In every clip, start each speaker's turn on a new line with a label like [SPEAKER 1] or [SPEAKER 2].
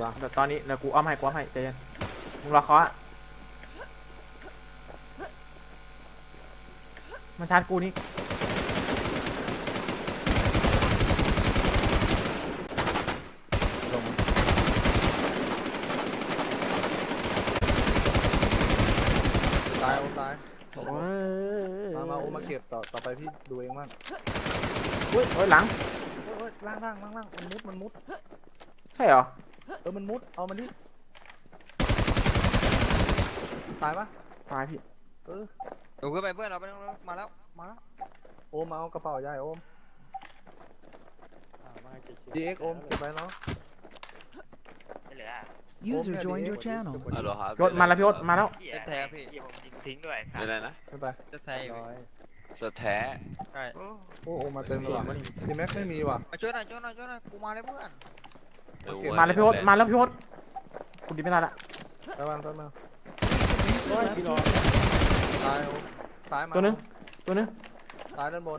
[SPEAKER 1] เดี๋ยวตอนนี้เดี๋ยวกูอ้อมให้ใจเย็นมึงรอเคาะมาชาร์จกูนี่
[SPEAKER 2] ตายโอ้ตายมาโอ้มาเก็บต่อไปพี่ดูเองบ้าง
[SPEAKER 1] โอ้ยหลัง
[SPEAKER 2] ล่างมันมุด
[SPEAKER 1] ใช่เหรอ
[SPEAKER 2] มันมุดเอามันดิตายปะ
[SPEAKER 1] ตายพี่
[SPEAKER 3] ดูขึ้นไปเพื่อนเราไปมาแล้ว
[SPEAKER 2] โอมมาเอากระเป๋าใหญ่โอม DX โอมเก็บไปเนาะ
[SPEAKER 4] User joined your channel
[SPEAKER 1] ยศมาแล้วพี่ยศมาแล้ว
[SPEAKER 3] จะแท้พี่
[SPEAKER 5] ทิ้งด้วย
[SPEAKER 6] เป็นไรนะ
[SPEAKER 2] ไม่ไป
[SPEAKER 3] จะแท้อยู่
[SPEAKER 6] สแท้
[SPEAKER 3] ใช่
[SPEAKER 2] โอ้มาเต็มเลยทีแม็กไม่มีว่ะ
[SPEAKER 3] ช่วยหน่อยกูมาเลยเพื่อน
[SPEAKER 1] มาแล้วพี่ยศมาแล้วพี่ยศกูดีไม่ได้ละ
[SPEAKER 2] ไปมา
[SPEAKER 4] User left your channel
[SPEAKER 2] ตายโอ้ตายมา
[SPEAKER 1] ตัวนึง
[SPEAKER 2] ตายด้านบน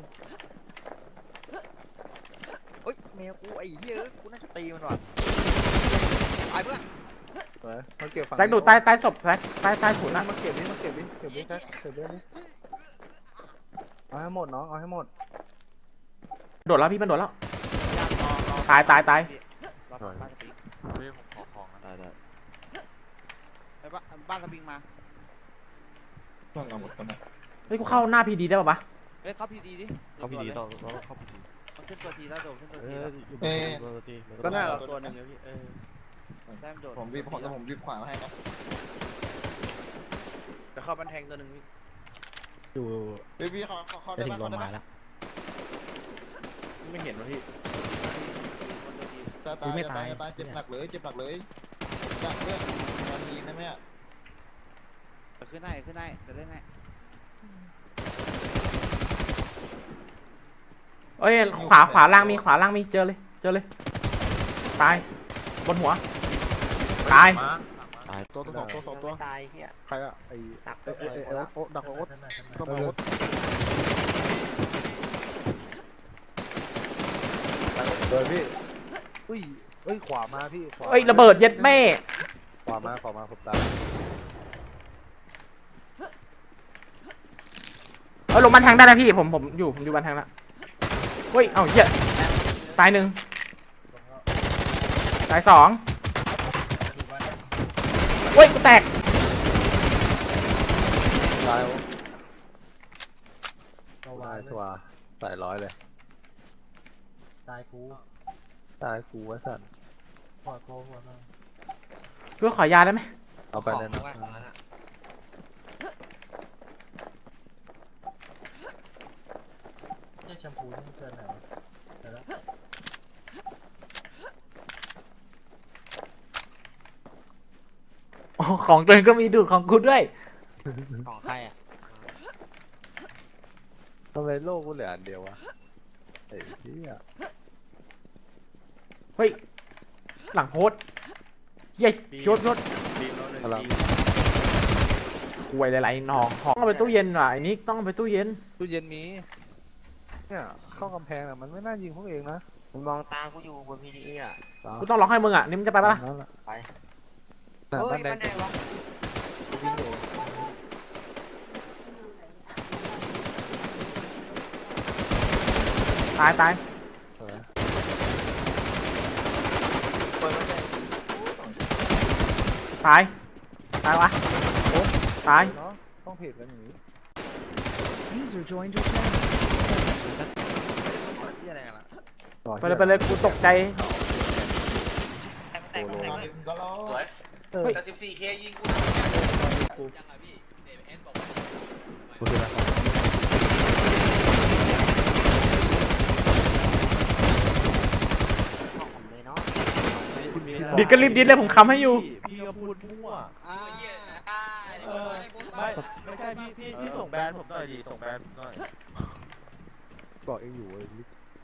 [SPEAKER 3] เฮ้ยแมวกูไอ้เหี้ยกูน่าจะตีมันว่ะตายเพื่อน
[SPEAKER 2] มาเก็บฝั่ง
[SPEAKER 1] แซกดูใต้ศพแซกใต้ถุนนะ
[SPEAKER 2] มาเก็บดิแซกเก็บเรื่องนี้เอาให้หมดน้องเอาให้หมด
[SPEAKER 1] โดดแล้วพี่มันโดดแล้วตาย
[SPEAKER 5] บ้านสปริงบ้านสปริงมา
[SPEAKER 1] เฮ้ยกูเข้าหน้าพีดีได้ป่ะ
[SPEAKER 5] เฮ้ยเข้าพีดีดิ
[SPEAKER 6] เข้าพีดีเราเข้าพีดี
[SPEAKER 5] มันขึ้นตัวทีแล้วโดดขึ้นตัวที
[SPEAKER 3] ก็น่าเราตัวนึงพี่
[SPEAKER 5] แต้มโดด
[SPEAKER 2] ผมรีบขวาให้นะ
[SPEAKER 5] จะเข้าบันแทงตัวนึงพี่
[SPEAKER 2] พี่เขาได้บ้างมาแล้ว
[SPEAKER 5] ไม่เห็นวะพี่
[SPEAKER 2] ตายเจ็บหนักเลยจับเรื่องตอนนี้นะแม่
[SPEAKER 5] ขึ้นได้จะเล่นให้
[SPEAKER 1] เอ้ยขวาล่างมีเจอเลยตายบนหัวตาย
[SPEAKER 2] ตัว
[SPEAKER 5] ตายเหี้ย
[SPEAKER 2] ใครอะไอ้โอ๊ตดักโอ๊ตต้องโอ๊ตเลยพี่เฮ้ยขวามาพี่
[SPEAKER 1] เอ้ยระเบิดเย็ดแม่
[SPEAKER 2] ขวามาผมตาย
[SPEAKER 1] ลงบันแทงได้นะพี่ผมอยู่บันแทงแล้วเฮ้ยเหี้ยตาย1ตาย2เฮ้ยกูแตก
[SPEAKER 2] ตายชัวใส่100เลยตายกูวะสัน
[SPEAKER 1] เพื่อขอยาได้ไหม
[SPEAKER 2] เอาไปเลยนะ
[SPEAKER 4] แชมพูนี่เกินไหน
[SPEAKER 1] ของตัวเองก็มีดูดของกูด้วย
[SPEAKER 5] ของใครอ่ะ
[SPEAKER 2] ทำไมโลกกูเหลืออันเดียววะไอ้เหี้ย
[SPEAKER 1] เฮ้ยหลังโพสเย้ยศคุยหลายๆน้องต้องเอาไปตู้เย็นว่ะไอ้นิกต้องเอาไปตู้เย็น
[SPEAKER 2] มีเนี่ยเข้ากำแพงอ่ะมันไม่น่ายิงพวกเองนะ
[SPEAKER 5] มึงมองตากูอยู่บนพีดีอ่ะ
[SPEAKER 1] กูต้องล็อกให้มึงอ่ะนี่มึงจะไปปะล่ะ
[SPEAKER 5] ไป
[SPEAKER 2] บ้านแดง
[SPEAKER 1] ตายตายวะตาย
[SPEAKER 2] ต้องเพจกันอย่างนี้
[SPEAKER 4] User joined your channel
[SPEAKER 1] ไปเลยกูตกใจ
[SPEAKER 5] แต่ 14K ยิงกูยังไงพี่เอ็นบอก
[SPEAKER 1] ดิดก็รีบดิดเลยผมค้ำให้อยู่
[SPEAKER 5] พี่ก็พูดมั่วไม่ใช่พี่ส่งแบรนด์ผมหน่อยดิส่งแบรนด์หน่อย
[SPEAKER 2] บอกเองอยู่เลย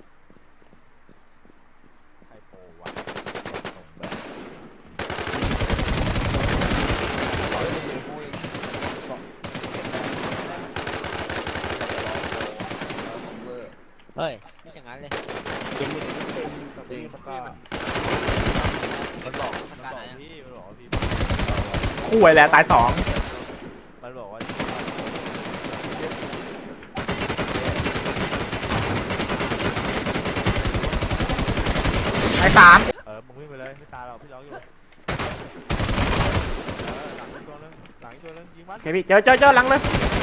[SPEAKER 5] ไฮโปวะส่งแบรนด์
[SPEAKER 3] เฮ้ยไม่อย่างนั้นเลย
[SPEAKER 2] มันบอกพี่มันบอกว่าพี่
[SPEAKER 1] คู่ไอ้แหละตายสอง
[SPEAKER 2] มันบอกว่า
[SPEAKER 1] ตายสาม
[SPEAKER 2] มึงวิ่งไปเลยไม่ตายหรอกพี่ร้องอยู่หลังอีกตัวนึงหลังอีกตัวนึงยิงมัน
[SPEAKER 1] โอเคพี่เจอหลังเลย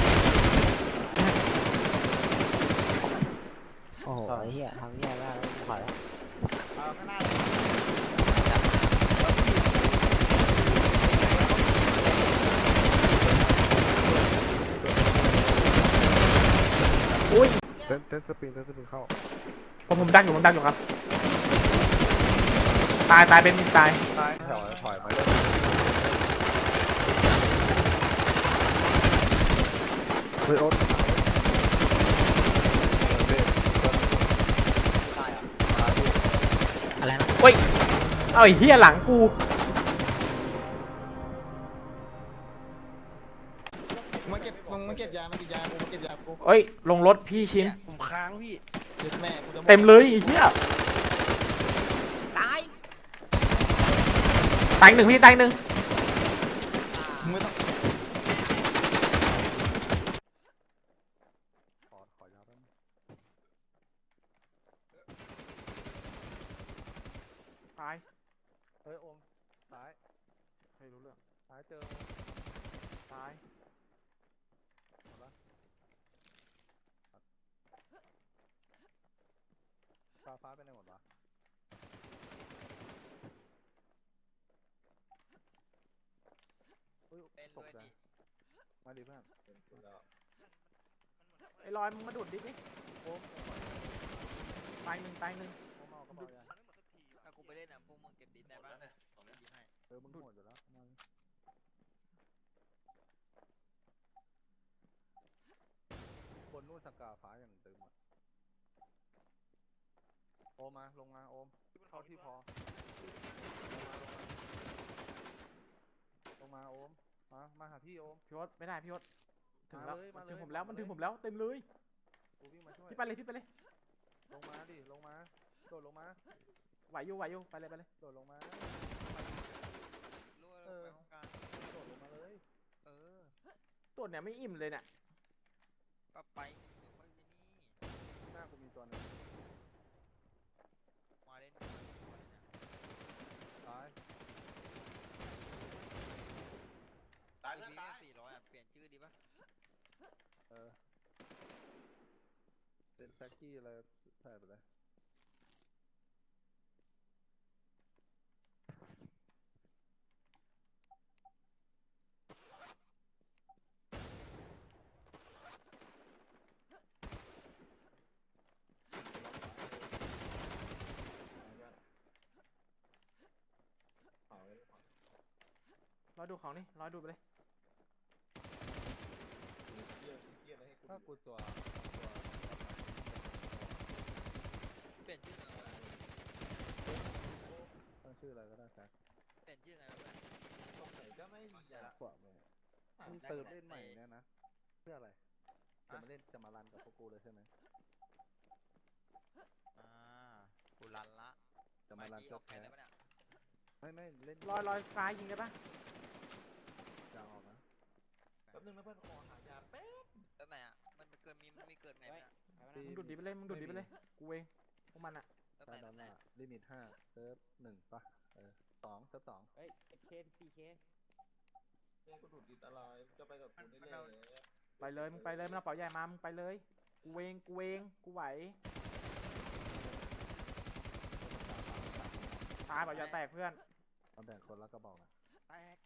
[SPEAKER 5] โอ้โหไอ้เหี้ยทำเหี้ยได้แล้วขอแล้ว
[SPEAKER 2] ข้างหน้า
[SPEAKER 1] อุ้ย
[SPEAKER 7] เต้นสปริงเข้า
[SPEAKER 1] ผมดักอยู่ครับตายเป็นตาย
[SPEAKER 2] ตาย
[SPEAKER 7] ถอยมาเลยเฮ้ยโอ๊ต
[SPEAKER 5] อะไรนะ
[SPEAKER 1] เฮ้ยเอาไอ้เหี้ยหลังกู
[SPEAKER 2] มาเก็บยามาเก็บยากูมาเก็บยากู
[SPEAKER 1] เอ้ยลงรถพี่ชิ้น
[SPEAKER 2] ผมค้างพี่เจ็บแม่กูจะ
[SPEAKER 1] เต็มเลยไอ้เหี้ย
[SPEAKER 3] ตาย
[SPEAKER 1] ตายหนึ่งพี่ตายหนึ่ง
[SPEAKER 2] ไม่ต้อง
[SPEAKER 7] ขอยาวแป๊บนึง
[SPEAKER 1] ตาย
[SPEAKER 7] เฮ้ยโอมซ้ายใครรู้เรื่องซ้ายเจอ
[SPEAKER 1] ตาย
[SPEAKER 7] ฟ้าไปไหนหมดวะเฮ้ย
[SPEAKER 3] เป็น
[SPEAKER 7] ต
[SPEAKER 3] ด้
[SPEAKER 7] ก
[SPEAKER 3] วย
[SPEAKER 7] ใจ
[SPEAKER 3] ดิ
[SPEAKER 7] มาดิเพื่อน
[SPEAKER 1] ไอ้ลอยมึงมาดูดดิพี่
[SPEAKER 7] โอม
[SPEAKER 1] ตายหนึ่ง
[SPEAKER 7] โอมเอากระเป๋ายา
[SPEAKER 3] ถ้ากูไปเล่นอ่ะพวกมึงเก็บดินได้ปะยิงให้
[SPEAKER 7] มึงโหดอยู่แล้วมาคนนู่นสกาฟ้าอย่างตึงอ่ะโอมมาลงมาโอมเข้าที่พอลงมาโอมมาหาพี่โอม
[SPEAKER 1] พี่โอ๊ตไม่ได้พี่โอ๊ตถึงแล้ว
[SPEAKER 7] มาเลย
[SPEAKER 1] ถึงผมแล้ว
[SPEAKER 7] มาเลย
[SPEAKER 1] มันถึงผมแล้วเต็มเลย
[SPEAKER 7] กูวิ่งมาช่วย
[SPEAKER 1] พี่ไปเลย
[SPEAKER 7] ลงมาดิลงมาโดดลงมา
[SPEAKER 1] ไหวอยู่ไปเลย
[SPEAKER 7] โดดลงมา
[SPEAKER 3] รู้ว่าเราไปห้องการ
[SPEAKER 7] โดดลงมาเลย
[SPEAKER 3] เออ
[SPEAKER 1] ตัวเนี่ยไม่อิ่มเลยเนี่ย
[SPEAKER 3] ก็ไปเดี๋ยวค่อยนี่
[SPEAKER 7] หน้ากูมีตัวหนึง
[SPEAKER 3] มาเล่น
[SPEAKER 7] ตาย
[SPEAKER 2] ตาย
[SPEAKER 3] พี่
[SPEAKER 2] ตาย
[SPEAKER 3] 400อ่ะเปลี่ยนชื่อดีปะ
[SPEAKER 7] เป็นแฟกกี้อะไรใส่ไปเลย
[SPEAKER 1] รอดูของนี่รอดูไปเลย
[SPEAKER 7] ถ้ากูตัว
[SPEAKER 3] เปลี่ยนชื่อไงวะ
[SPEAKER 7] ตั้งชื่ออะไรก็ได้แฟก
[SPEAKER 3] เปลี่ยนชื่อไงวะ
[SPEAKER 2] ตรงไหนก็ไม่มีอ่ะ
[SPEAKER 7] ขวามือมึงเติมเล่นใหม่เนี่ยนะเพื่ออะไรจะมารันกับพวกกูเลยใช่ไหม
[SPEAKER 3] กูรันละ
[SPEAKER 7] จะมารัน
[SPEAKER 3] อ
[SPEAKER 7] เจ้า
[SPEAKER 3] อกแผ
[SPEAKER 7] แพ้
[SPEAKER 3] นได้ปะเนี่ย
[SPEAKER 7] ไม่เล่น
[SPEAKER 1] ลอยซ้ายยิงได้ปะ
[SPEAKER 7] ยางออกนะ
[SPEAKER 2] แป๊บนึงนะเพื่อนขอหายาแป๊บ
[SPEAKER 3] แล้วไหนอ่ะมันเกิดมันมีเกิดไงเนี่ย
[SPEAKER 1] มึงดูดดิไปเลยกูเองพวกมันอะ
[SPEAKER 3] แล้ว
[SPEAKER 7] ใช่
[SPEAKER 3] ไหน
[SPEAKER 7] ด้านห
[SPEAKER 3] ไหน
[SPEAKER 7] น้าลิมิต5เซิร์ฟ1ป่ะ2เซิร์ฟ2
[SPEAKER 5] เฮ้ยเค4K
[SPEAKER 2] เนี่ยกูดูดดิดอะไรจะไปกับกูได้เลย
[SPEAKER 1] ไปเลยมึงเอาเป๋าใหญ่มามึงไปเลยกูเองกูไหวตายเป๋าใหญ่แตกเพื่อน
[SPEAKER 7] มาแบ่งคนละกระบอกนะ
[SPEAKER 3] แตก